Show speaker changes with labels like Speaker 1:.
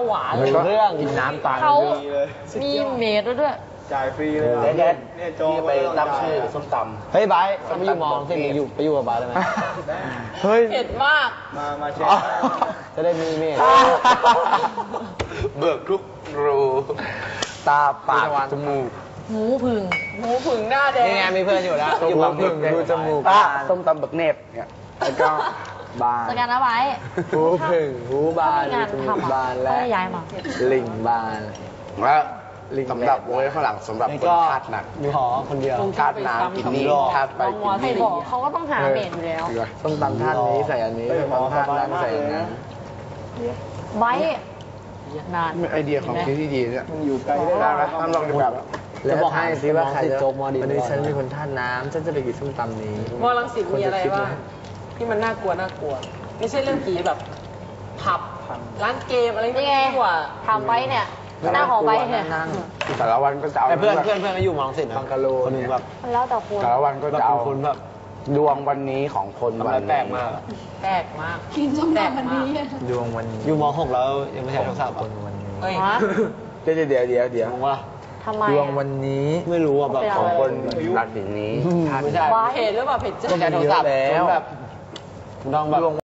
Speaker 1: หวาน
Speaker 2: เรื่องกินน้ำตาล
Speaker 3: เขามีเมดด้วย
Speaker 4: จ่ายฟรีเลย
Speaker 2: เด็ด
Speaker 4: เนี่ยโจ
Speaker 2: ที่ไปตั้งชื่อส้มตำ
Speaker 5: เฮ้ยไบร์ทไปอยู่มองสิไปอยู่กับไบร์ทได้ไหม
Speaker 2: เฮ้ย
Speaker 1: เผ็ดมาก
Speaker 4: มาเช็ค
Speaker 5: จะได้มีเมฆ
Speaker 2: เบิกทุกรูตาปากจมูก
Speaker 3: หมูผึ่ง
Speaker 1: หมูผึ่งหน้าแดง
Speaker 5: นี่ไงมีเพื่อนอยู่แล้วอยู่บางพึ่งดูจมูก
Speaker 2: ส้มตำเบิกเนบเนี่ยแล้วก็บาน
Speaker 3: สแกนเอาไว้
Speaker 5: หูพึ่งหูบาน
Speaker 3: งาน
Speaker 5: จมูก
Speaker 3: ทำ
Speaker 5: บานและ
Speaker 3: ไม่ได้ย้ายมา
Speaker 5: ลิงบาน
Speaker 2: และสำหรับโว้ยข้างหลังสำหรับคนธาตุหนัก
Speaker 5: มีหอคนเดียว
Speaker 2: ธาตุน้ำกินนี่ธาตุไฟกิน
Speaker 3: ใคร
Speaker 2: นี่
Speaker 3: บอกเขาก็ต้องหาเมดอยู่แล้ว
Speaker 5: ส้มตำท่านนี้ใส่อันนี้ส้มตำท่านนั้นใส่อันนั้น
Speaker 3: ไว้นาน
Speaker 2: ไอเดียของคิดที่ดีเนี่ย
Speaker 4: มันอยู่ไกล
Speaker 2: ได้ไหมทำลองดูแบบ
Speaker 5: จะบอกให้ซิว่าใครจะ
Speaker 2: โจ๊กมอดี
Speaker 5: วันนี้ฉันมีคนท่าน้ำฉันจะไปกินส้มตำนี้
Speaker 1: มอลังสิตมีอะไรบ้างที่มันน่ากลัวไม่ใช่เรื่องผีแบบผับร้านเกมอะไร
Speaker 3: นี่ไง
Speaker 1: ดีกว่า
Speaker 3: ทำไว้เนี่ยหน้าของไว้เนี่ย
Speaker 2: แต่ละวันก็จะเอา
Speaker 5: แต่เพื่อนก็อยู่มองสิทธิ์
Speaker 2: บังกะโล
Speaker 5: คนหนึงแบบ
Speaker 3: มันแล้วแต่คน
Speaker 2: แต่ละวันก็จะเอา
Speaker 5: คนแบบ
Speaker 2: ดวงวันนี้ของคน
Speaker 5: ทำ
Speaker 2: วั
Speaker 5: อะไร
Speaker 2: น
Speaker 5: แปลกมาก
Speaker 1: แปลกมาก
Speaker 3: กินส้มตำวันนี้
Speaker 2: ดวงวันนี้
Speaker 5: อยู่ม6แล้วยังไม่ใช่โทรศัพท์คนวันนี้
Speaker 1: เฮ้ย
Speaker 3: ฮะ
Speaker 2: เดี๋ยว
Speaker 5: มองว่า
Speaker 3: ทำไม
Speaker 2: ดวงวันนี้
Speaker 5: ไม่รู้อ่ะแบบ
Speaker 3: เป็น
Speaker 2: ข
Speaker 3: อะ
Speaker 2: อง
Speaker 3: ไร
Speaker 2: คนราศีนี้
Speaker 5: ไม่ใช่
Speaker 3: ไว้
Speaker 1: เพจหรือเปล่าเพจเจ้า
Speaker 5: ก็แค่โทรศัพท์
Speaker 2: แล้ว
Speaker 5: แบบต้องแบบ